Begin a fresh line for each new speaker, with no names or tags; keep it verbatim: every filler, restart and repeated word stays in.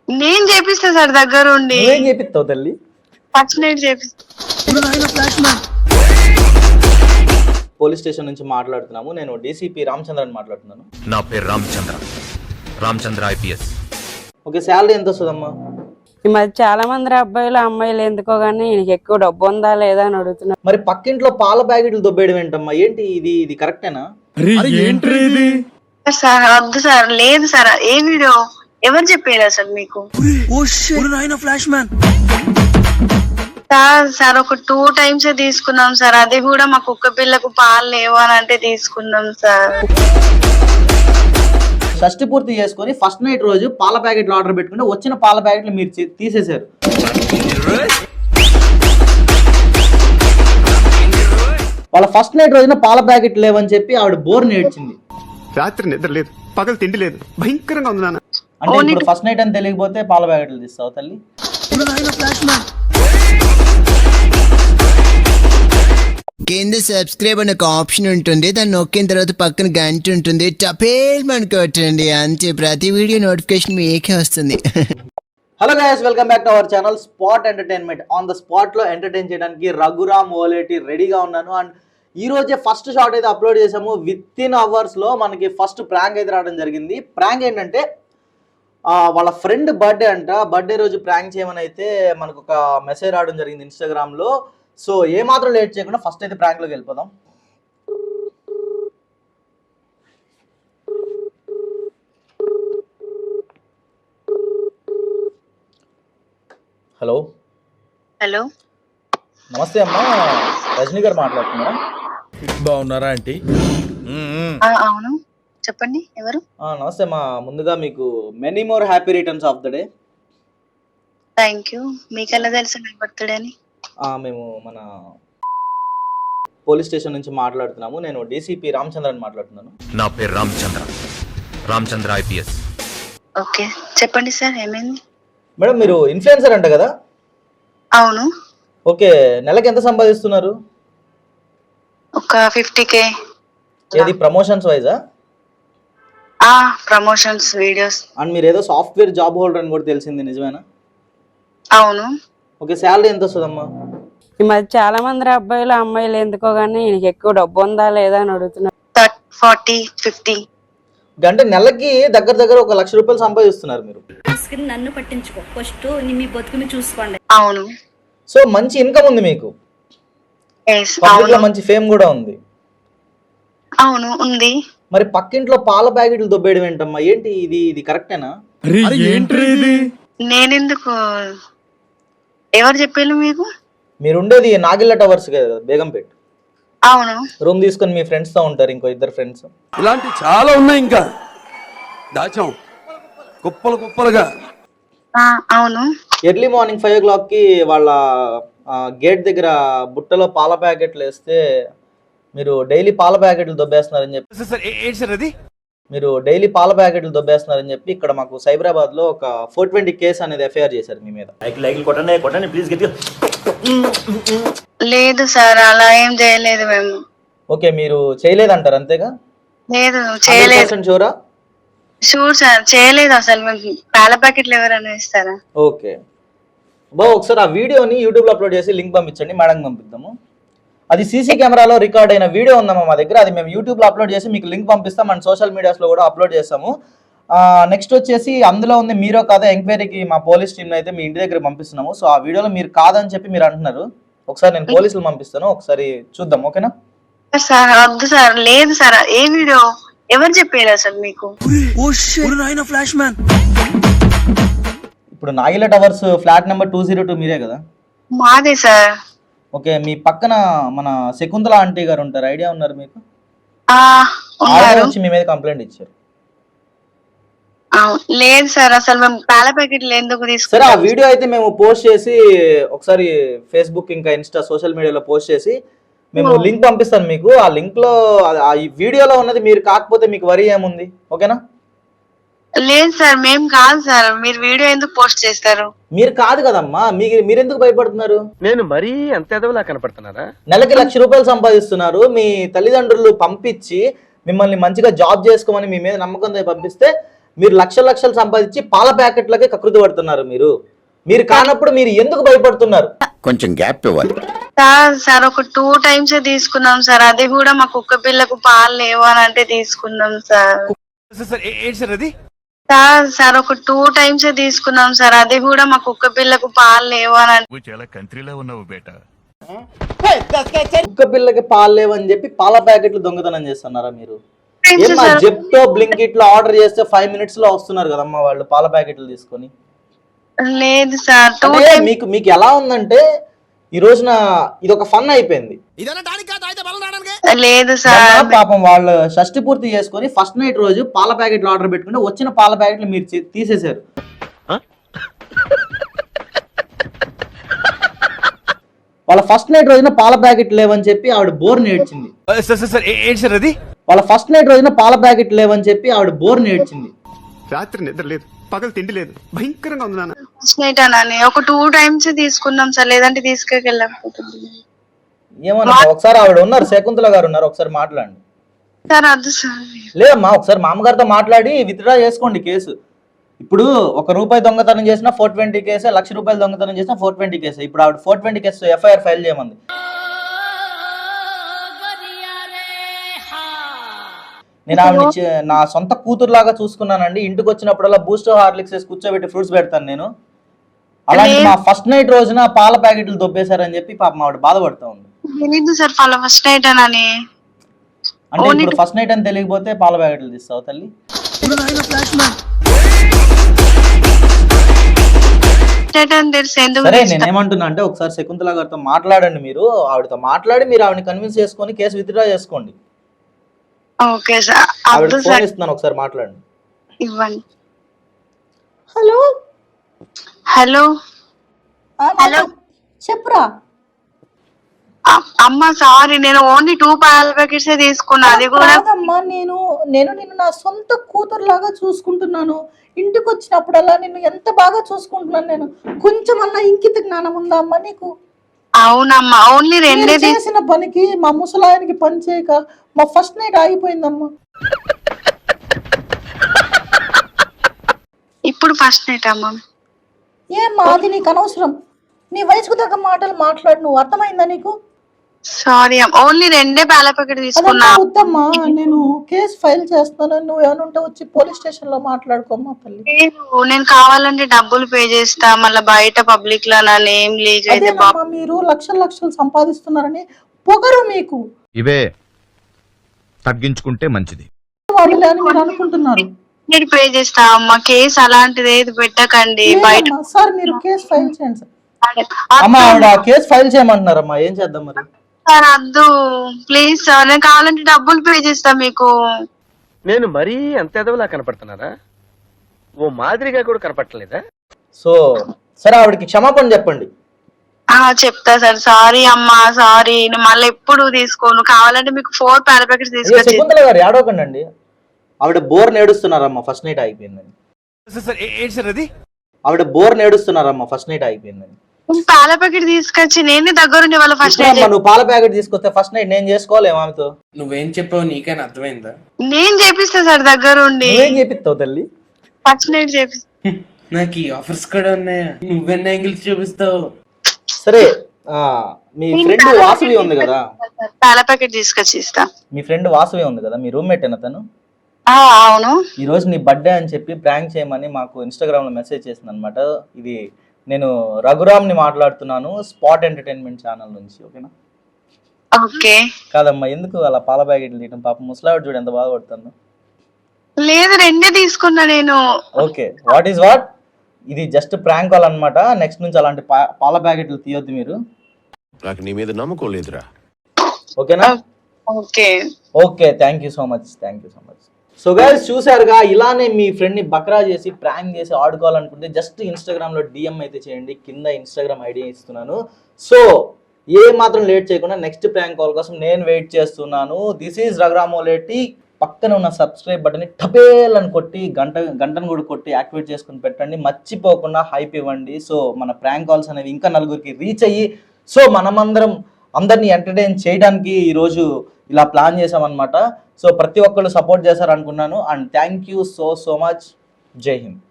నేను చేపిస్తా సార్ దగ్గరుండి.
నువ్వేం చేపిస్తావు తల్లి?
ఫస్ట్ నైట్ చేపిస్తా.
పోలీస్ స్టేషన్ నుంచి మాట్లాడుతున్నాము. నేను డీసీపీ రామచంద్రని మాట్లాడుతున్నాను.
నా పేరు Ramachandra, Ramachandra IPS.
Okay, salary ఎంత వస్తుందమ్మా?
ఈ మధ్య చాలా మంది అబ్బాయిలు అమ్మాయిలు ఎందుకో గానీ ఈయనకి ఎక్కువ డబ్బు ఉందా లేదా అని అడుగుతున్నారు.
మరి పక్కింట్లో పాల ప్యాకెట్లు దొబ్బేయడం ఏంటమ్మా? ఏంటి ఇది? ఇది కరెక్టేనా?
సార్ వద్దు సార్, లేదు సార్. ఏ వీడియో ఎవరు చెప్పారు అసలు మీకు? సార్ సార్ ఒక టూ టైమ్స్ తీసుకున్నాం సార్. అది కూడా మా కుక్క పిల్లకు పాలు లేవు అని అంటే తీసుకున్నాం సార్.
షష్టి పూర్తి చేసుకొని ఫస్ట్ నైట్ రోజు పాల ప్యాకెట్లు ఆర్డర్ పెట్టుకుంటే వచ్చిన పాల ప్యాకెట్లు మీరు తీసేశారు. వాళ్ళ ఫస్ట్ నైట్ రోజున పాల ప్యాకెట్ లేవని చెప్పి ఆవిడ బోర్ నేర్చింది.
రాత్రి నిద్ర లేదు, పగలు తిండి లేదు, భయంకరంగా ఉంది నాన్న.
అంటే ఇప్పుడు ఫస్ట్ నైట్ అని తెలియకపోతే పాల ప్యాకెట్లు తీస్తావు తల్లి?
కింద సబ్స్క్రైబ్ అనే ఒక ఆప్షన్ ఉంటుంది, దాన్ని నొక్కిన తర్వాత పక్కన గంట ఉంటుంది, టపేల్ మనకొట్టండి, అంతే. ప్రతి వీడియో నోటిఫికేషన్ మీకే వస్తుంది.
Hello guys, welcome back to our channel spot entertainment. On the spot లో ఎంటర్టైన్ చేయడానికి రఘురామ్ ఓలేటి రెడీగా ఉన్నాను. అండ్ ఈ రోజే ఫస్ట్ షాట్ అయితే అప్లోడ్ చేసాము. విత్ ఇన్ అవర్స్ లో మనకి ఫస్ట్ ప్రాంక్ అయితే రావడం జరిగింది. ప్రాంక్ ఏంటంటే వాళ్ళ ఫ్రెండ్ బర్త్డే అంట. బర్త్డే రోజు ప్రాంక్ చేయమని అయితే మనకు ఒక మెసేజ్ రావడం జరిగింది ఇన్స్టాగ్రామ్ లో. సో ఏ మాత్రం లేట్ చేయకుండా ఫస్ట్ అయితే ప్రాంక్ లోకి వెళ్ళిపోదాం. హలో
హలో,
నమస్తే అమ్మా, రజనీ గారు మాట్లాడుతున్నారా?
బాగున్నారా ఆంటీ?
అవును, చెప్పండి ఎవరు?
నమస్తే అమ్మా, ముందుగా మీకు many more happy returns of the day.
Thank you. మీకెలా తెలుసు నా బర్త్డే అని?
మేము మన పోలీస్ స్టేషన్ నుంచి మాట్లాడుతున్నాము. నేను డీసీపీ రామచంద్రని మాట్లాడుతున్నాను.
నా పేరు రామచంద్ర, రామచంద్ర ఐపీఎస్.
ఓకే, చెప్పండి సార్, ఏమైంది?
మేడం, మీరు ఇన్ఫ్లుయెన్సర్ అంట కదా?
అవును.
ఓకే, నెలకి ఎంత సంపాదిస్తున్నారు?
ఒక ఫిఫ్టీ కే.
ఏది ప్రమోషన్స్ వైజా?
Promotions videos.
అండ్ మీరు ఏదో సాఫ్ట్వేర్ జాబ్ హోల్డర్ అని కూడా తెలిసింది, నిజమేనా?
అవును.
ఓకే, శాలరీ ఎంత వస్తుందమ్మా?
ఈ మధ్య చాలా మంది అబ్బాయిలు అమ్మాయిలు ఎందుకో గానీ ఈయనకి ఎక్కువ డబ్బు ఉందా లేదా అని అడుగుతున్నారు.
ఫార్టీ ఫిఫ్టీ
అంటే నెలకి దగ్గర దగ్గర ఒక లక్ష రూపాయలు సంపాదిస్తున్నారు మీరు.
నన్ను పట్టించుకో, ఫస్ట్ మీ బతుకుని చూసుకోండి.
అవును.
సో మంచి ఇన్కమ్ ఉంది మీకు, మంచి ఫేమ్ కూడా ఉంది.
అవును, ఉంది.
మరి పక్కింట్లో పాల ప్యాకెట్లు దొబ్బేయడం ఏంటమ్మా? ఏంటి ఇది? ఇది కరెక్టేనా?
నేనెందుకు? ఎవరు చెప్పారు మీకు?
మీరు ఉండేది నాగిల్ల టవర్స్ కదా, బేగంపేట్.
అవును.
రూమ్ తీసుకొని మీ ఫ్రెండ్స్ తో ఉంటారు, ఇంకో ఇద్దరు ఫ్రెండ్స్.
ఇలాంటి చాలా ఉన్నాయి, ఇంకా దాచాం కుప్పలు కుప్పలుగా.
అవును.
Early morning five o'clock కి వాళ్ళ గేట్ దగ్గర బుట్టలో పాల ప్యాకెట్లు వేస్తే మీరు డైలీ పాల ప్యాకెట్లు దొబ్బేస్తున్నారని చెప్పి మీరు డైలీ పాల ప్యాకెట్లు దొబ్బేస్తున్నారని చెప్పి ఇక్కడ మాకు సైబరాబాద్ లో ఒక ఫోర్ ట్వంటీ కేసు అనేది ఎఫ్ఐఆర్ చేశారు మీ మీద.
లేదు సార్, అలా ఏం చేయలేదు మేము.
ఓకే, మీరు చేయలేదంటారు అంతేగా?
లేదు, చేయలేదు.
షూరా?
షూర్ సార్, చేయలేదు అసలు. మేము పాల ప్యాకెట్లు ఎవరైనా ఇస్తారా?
ఓకే బా, ఒకసారి ఆ వీడియోని యూట్యూబ్ లో అప్లోడ్ చేసి లింక్ పంపించండి, మేడం పంపిద్దాము. అది సీసీ కెమెరాలో రికార్డ్ అయిన వీడియో ఉందమ్మా మా దగ్గర. అది మేము యూట్యూబ్ లో అప్లోడ్ చేసి మీకు లింక్ పంపిస్తాం. అండ్ సోషల్ మీడియాస్ లో కూడా అప్లోడ్ చేస్తాము. నెక్స్ట్ వచ్చేసి అందులో ఉంది మీరో కాదా ఎంక్వైరీకి మా పోలీస్ టీమ్ అయితే మీ ఇంటి దగ్గర పంపిస్తున్నాము. సో ఆ వీడియోలో మీరు కాదని చెప్పి మీరు అంటున్నారు. ఒకసారి నేను పోలీసులు పంపిస్తాను, ఒకసారి చూద్దాం. ఓకేనా
సార్? వద్దు సార్, లేదు సార్. ఏ వీడియో ఎవరు చెప్పారు అసలు మీకు?
ఇప్పుడు Nagila towers flat number two zero two మీరే కదా?
మాదే సార్.
ఓకే, మీ పక్కన మన శకుంతల ఆంటీ గారు ఉంటారు, ఐడియా ఉన్నారు మీకు? వచ్చి మీ మీద కంప్లైంట్ ఇచ్చారు.
లేదు సార్, అసలు మేము పాల ప్యాకెట్లు ఎందుకు తీసుకు?
సరే, ఆ వీడియో అయితే మేము పోస్ట్ చేసి ఒకసారి ఫేస్బుక్ ఇంకా ఇన్స్టా సోషల్ మీడియాలో పోస్ట్ చేసి మేము లింక్ పంపిస్తాను మీకు. ఆ లింక్ లో ఆ వీడియోలో ఉన్నది మీరు కాకపోతే మీకు వరి ఏముంది? ఓకేనా?
లేదు సార్, మేము కాదు సార్. మీరు వీడియో ఎందుకు పోస్ట్ చేస్తారు?
మీరు కాదు కదమ్మా, మీరు మీరెందుకు భయపడుతున్నారు?
నేను మరీ అంత ఎదవలా కనపడుతున్నారా?
నెలకి లక్ష రూపాయలు సంపాదిస్తున్నారు. మీ తల్లిదండ్రులు పంపించి మిమ్మల్ని మంచిగా జాబ్ చేసుకోమని మీ మీద నమ్మకంతో పంపిస్తే మీరు లక్షల లక్షలు సంపాదించి పాల ప్యాకెట్లకే కకృతి పడుతున్నారు. మీరు మీరు కానప్పుడు మీరు ఎందుకు భయపడుతున్నారు?
కొంచెం గ్యాప్ ఇవ్వాలి.
సార్ సార్ ఒక టూ టైమ్స్ తీసుకున్నాం సార్, అది కూడా మా కుక్క పిల్లకు పాలు లేవు అని అంటే తీసుకున్నాం సార్.
ఏంటి సార్ అది?
సార్ సార్ ఒక టూ టైమ్స్ తీసుకున్నాం సార్, అది కూడా మా కుక్క పిల్లకు పాలు లేవు అని అంటే
చాలా కంట్రీలో ఉన్నావు బేటా.
కుక్క పిల్లకి పాలు లేవని చెప్పి పాల ప్యాకెట్లు దొంగతనం చేస్తున్నారా మీరు?
Thanks,
ఏమా
sir.
జెప్టో బ్లింకిట్ లో ఆర్డర్ చేస్తే ఫైవ్ మినిట్స్ లో వస్తున్నారు కదమ్మా వాళ్ళు పాల ప్యాకెట్లు తీసుకొని.
లేదు సార్ టూ
అంటే మీకు మీకు ఎలా ఉందంటే ఈ రోజున ఇది ఒక ఫన్ అయిపోయింది.
లేదు సార్.
మొన్న పాపం వాళ్ళు షష్టి పూర్తి చేసుకొని ఫస్ట్ నైట్ రోజు పాల ప్యాకెట్లు ఆర్డర్ పెట్టుకుంటే వచ్చిన పాల ప్యాకెట్లు మీరు చే- తీసేశారు. వాళ్ళ ఫస్ట్ నైట్ రోజున పాల ప్యాకెట్ లేవని చెప్పి ఆవిడ బోర్ నేర్చింది.
ఏంటి సార్ అది?
వాళ్ళ ఫస్ట్ నైట్ రోజున పాల ప్యాకెట్ లేవని చెప్పి ఆవిడ బోర్ నేర్చింది.
రాత్రి నిద్ర లేదు, పగలు తిండి లేదు, భయంకరంగా ఉంది నాన్న.
నైట్ అని ఒక టూ టైమ్స్ తీసుకున్నాం సార్, లేదంటే తీసుకెళ్ళకపోతుంది
ఏమన్నా ఒకసారి ఆవిడ ఉన్నారు, శకుంతల గారు ఉన్నారు, ఒకసారి మాట్లాడండి.
సార్. అది సార్
లేదమ్మా ఒకసారి మామగారితో మాట్లాడి విత్డ్రా చేసుకోండి కేసు. ఇప్పుడు ఒక రూపాయి దొంగతనం చేసినా ఫోర్ ట్వంటీ కేసే, లక్ష రూపాయలు దొంగతనం చేసినా ఫోర్ ట్వంటీ కేసే. ఇప్పుడు ఆవిడ four twenty case FIR file చేయమంది. నేను ఆవిడ నా సొంత కూతురులాగా చూసుకున్నానండి. ఇంటికి వచ్చినప్పుడల్లా బూస్ట్ హార్లిక్స్ వేసి కూర్చోబెట్టి ఫ్రూట్స్ పెడతాను నేను. అలాంటి మా ఫస్ట్ నైట్ రోజున పాల ప్యాకెట్లు దొబ్బేశారని చెప్పి పాపం ఆవిడ బాధపడుతూ ఉంది.
తెలీదు సార్ వాళ్ళ ఫస్ట్ నైట్ అని.
అంటే ఇప్పుడు ఫస్ట్ నైట్ అని తెలియకపోతే పాల ప్యాకెట్లు తీస్తావు తల్లి? సరే నేనేమంటున్నా అంటే ఒకసారి శకుంతల గారితో మాట్లాడండి. మీరు ఆవిడతో మాట్లాడి మీరు ఆవిడని కన్విన్స్ చేసుకొని కేసు విత్డ్రా చేసుకోండి.
Okay sir.
ఆవిడ
అబ్దుల్
ఫోన్
సార్
ఇస్తున్నాను, ఒకసారి మాట్లాడండి.
ఇవ్వండి.
హలో
హలో
హలో చెప్పురా.
అ- అమ్మ సారీ, నేను ఓన్లీ టూ పాల ప్యాకెట్స్ తీసుకున్నా, అది కూడా
కాదమ్మా, నేను నేను నిన్ను నా సొంత కూతురులాగా చూసుకుంటున్నాను. ఇంటికి వచ్చినప్పుడల్లా నిన్ను ఎంత బాగా చూసుకుంటున్నాను నేను. కొంచెం అన్నా ఇంకిత జ్ఞానం ఉందా అమ్మా నీకు?
అవునమ్మా ఓన్లీ రెండే
నేను
తీసు-
చేసిన పనికి మా ముసలాయనకి పని చేయక మా ఫస్ట్ నైట్ ఆగిపోయిందమ్మా.
ఇప్పుడు ఫస్ట్ నైట్ అమ్మ.
ఏమ్మా అది నీకు అనవసరం. నీ వయసుకు తగ్గ మాటలు మాట్లాడు. నువ్వు అర్థమైందా నీకు?
సారీ అమ్మ, ఓన్లీ రెండే పాల ప్యాకెట్ తీసుకున్నా.
అదమ్మా వద్దమ్మా, నేను కేసు ఫైల్ చేస్తాను. నువ్వు ఏమనుంటే వచ్చి పోలీస్ స్టేషన్ లో మాట్లాడుకోమ్మా తల్లి.
లేదు, నేను కావాలంటే డబ్బులు పే చేస్తా, మళ్ళీ బయట పబ్లిక్ లో నా నేమ్ లీక్ అయితే
అదేనమ్మా, మీరు లక్షలు లక్షలు సంపాదిస్తున్నారని పొగరు మీకు.
ఇవే తగ్గించుకుంటే మంచిది.
వాళ్ళే అని మీరు అనుకుంటున్నారు.
నేను పే చేస్తా అమ్మ, కేసు అలాంటిది ఏది పెట్టకండి బయట.
లేదమ్మా, సార్ మీరు కేసు ఫైల్ చేయండి సార్.
అమ్మా ఆవిడ కేసు ఫైల్ చేయమంటున్నారమ్మా, ఏం చేద్దాం మరి?
సార్ అద్దు ప్లీజ్ సార్, నేను కావాలంటే డబ్బులు పే చేస్తా మీకు.
నేను మరీ అంత ఎదవలా కనపడుతున్నారా? ఓ మాదిరిగా కూడా కనపడలేదా?
సో సరే ఆవిడకి క్షమాపణ చెప్పండి.
ఆ చెప్తా సార్. సారీ అమ్మా, సారీ, నేను మళ్ళీ ఎప్పుడు తీసుకోను. కావాలంటే మీకు ఫోర్ పాల ప్యాకెట్స్
అయ్యో
తీసుకొచ్చి.
శకుంతల గారు ఏడవకండి అండి, ఆవిడ బోర్ నేడుస్తున్నారమ్మా, ఫస్ట్ నైట్ అయిపోయిందని.
ఏంటి సార్ అది?
ఆవిడ బోర్ నేడుస్తున్నారమ్మా, ఫస్ట్ నైట్ అయిపోయిందని.
పాల ప్యాకెట్ తీసుకొచ్చి నేనే దగ్గరుండి వాళ్ళ ఫస్ట్ నైట్.
ఇప్పుడమ్మా నువ్వు పాల ప్యాకెట్ తీసుకొస్తే ఫస్ట్ నైట్ నేను చేసుకోలేము ఆమెతో.
నువ్వేం చెప్పావు నీకైనా అర్థమైందా?
నేను చేపిస్తా సార్ దగ్గరుండి.
నువ్వేం చేపిస్తావు తల్లి?
ఫస్ట్ నైట్ చేపిస్తా.
నాకు ఈ ఆఫర్స్ కూడా ఉన్నాయా? నువ్వెన్ని యాంగిల్స్ చూపిస్తావు?
సరే ఆ మీ ఫ్రెండ్ వాసవి ఉంది కదా,
పాల ప్యాకెట్ తీసుకొచ్చి ఇస్తా.
మీ ఫ్రెండ్ వాసవి ఉంది కదా, మీ రూమ్మేట్ అయిన తను
ఆ, అవును.
ఈ రోజు నీ బర్త్డే అని చెప్పి ప్రాంక్ చేయమని మాకు ఇన్స్టాగ్రామ్ లో మెసేజ్ చేసింది అనమాట. ఇది నేను రఘురామ్ ని మాట్లాడుతున్నాను, స్పాట్ ఎంటర్టైన్మెంట్ ఛానల్ నుంచి. ఓకేనా?
ఓకే.
కాదమ్మా ఎందుకు అలా పాల ప్యాకెట్లు తీయటం? పాప ముసలావిడ చూడు ఎంత బాధపడుతుందో.
లేదు రెండే తీసుకున్నా నేను.
ఓకే వాట్ ఈస్ వాట్, ఇది జస్ట్ ప్రాంక్ కాల్ అనమాట. నెక్స్ట్ నుంచి అలాంటి పా- పాల ప్యాకెట్లు తీయొద్దు మీరు.
నాకు నీ మీద నమ్మకం లేదురా.
ఓకేనా?
Okay
okay thank you so much, thank you so much. So guys చూసారుగా, ఇలానే మీ ఫ్రెండ్ని బక్రా చేసి ప్రాంక్ చేసి ఆడుకోవాలనుకుంటే జస్ట్ ఇన్స్టాగ్రామ్లో డిఎం అయితే చేయండి, కింద ఇన్స్టాగ్రామ్ ఐడి ఇస్తున్నాను. సో ఏ మాత్రం లేట్ చేయకుండా నెక్స్ట్ ప్రాంక్ కాల్ కోసం నేను వెయిట్ చేస్తున్నాను. This is Raghuramoleti. పక్కన ఉన్న సబ్స్క్రైబ్ బటన్ని టపేల్ అని కొట్టి గంట గంటను కూడా కొట్టి యాక్టివేట్ చేసుకుని పెట్టండి. మర్చిపోకుండా హైప్ ఇవ్వండి. సో మన ప్రాంక్ కాల్స్ అనేవి ఇంకా నలుగురికి రీచ్ అయ్యి సో మనమందరం అందరినీ ఎంటర్టైన్ చేయడానికి ఈరోజు ఇలా ప్లాన్ చేసామన్నమాట. సో ప్రతి ఒక్కళ్ళు సపోర్ట్ చేశారు అనుకున్నాను. And thank you so so much. జై హింద్.